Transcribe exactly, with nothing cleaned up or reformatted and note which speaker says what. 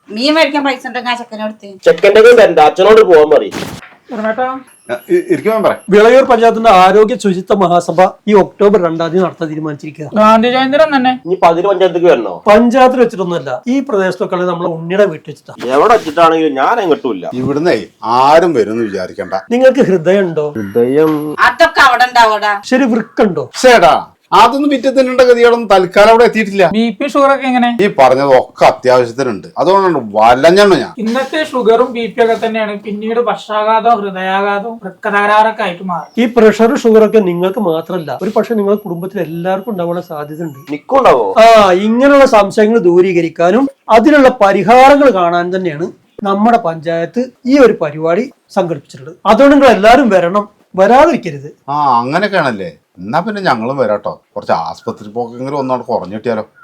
Speaker 1: മീൻ മേടിക്കാൻ പൈസ ഉണ്ടെങ്കിൽ ആ ചെക്കനോടുത്ത്
Speaker 2: ചെക്കൻ്റെ അച്ഛനോട് പോകാൻ പറയും.
Speaker 3: വിളയൂർ പഞ്ചായത്തിന്റെ ആരോഗ്യ ശുചിത്വ മഹാസഭ ഈ ഒക്ടോബർ രണ്ടാം തീയതി നടത്താൻ തീരുമാനിച്ചിരിക്കുക.
Speaker 4: ഗാന്ധി ജയന്തിരം തന്നെ
Speaker 2: ഇനി പതിന് പഞ്ചായത്തേക്ക് വരണോ?
Speaker 3: പഞ്ചായത്തിൽ വെച്ചിട്ടൊന്നുമല്ല, ഈ പ്രദേശത്തൊക്കെ നമ്മളെ ഉണ്ണിയുടെ വീട്ടിൽ വെച്ചിട്ടാ.
Speaker 2: എവിടെ വെച്ചിട്ടാണെങ്കിലും ഞാൻ എങ്ങോട്ടുമില്ല.
Speaker 5: ഇവിടുന്നേ ആരും വരുമെന്ന് വിചാരിക്കണ്ട.
Speaker 3: നിങ്ങൾക്ക് ഹൃദയം ഉണ്ടോ?
Speaker 2: ഹൃദയം
Speaker 1: അതൊക്കെ അവിടെ ഉണ്ടാവൂടാ.
Speaker 3: ശരി, വൃക്കുണ്ടോ?
Speaker 5: ചേടാ അതൊന്നും വിറ്റത്തിനുള്ള ഗതികളൊന്നും തൽക്കാലം അവിടെ എത്തിയിട്ടില്ല.
Speaker 4: ബി പി ഷുഗർ ഒക്കെ എങ്ങനെ?
Speaker 5: ഈ പറഞ്ഞത് ഒക്കെ അത്യാവശ്യത്തിനുണ്ട്. അതുകൊണ്ടാണ് വലഞ്ഞണ്ണ ഞാൻ.
Speaker 4: ഇന്നത്തെ ഷുഗറും ബി പി ഒക്കെ തന്നെയാണ് പിന്നീട് പക്ഷാഘാതവും ഹൃദയാഘാതവും വൃക്കതകരാറൊക്കെ ആയിട്ട് മാറും.
Speaker 3: ഈ പ്രഷർ ഷുഗർ ഒക്കെ നിങ്ങൾക്ക് മാത്രമല്ല, ഒരു പക്ഷെ നിങ്ങളുടെ കുടുംബത്തിൽ എല്ലാവർക്കും ഉണ്ടാവാനുള്ള സാധ്യത ഉണ്ട്.
Speaker 2: നിക്കുണ്ടാവോ?
Speaker 3: ആ, ഇങ്ങനെയുള്ള സംശയങ്ങൾ ദൂരീകരിക്കാനും അതിനുള്ള പരിഹാരങ്ങൾ കാണാൻ തന്നെയാണ് നമ്മുടെ പഞ്ചായത്ത് ഈ ഒരു പരിപാടി സംഘടിപ്പിച്ചിട്ടുള്ളത്. അതുകൊണ്ട് നിങ്ങൾ എല്ലാവരും വരണം, വരാതിരിക്കരുത്.
Speaker 5: ആ അങ്ങനെയൊക്കെയാണല്ലേ. എന്നാ പിന്നെ ഞങ്ങളും വരാട്ടോ. കുറച്ച് ആസ്പത്രി പോക്കെങ്കിലും ഒന്നോട് കുറഞ്ഞു കിട്ടിയാലോ.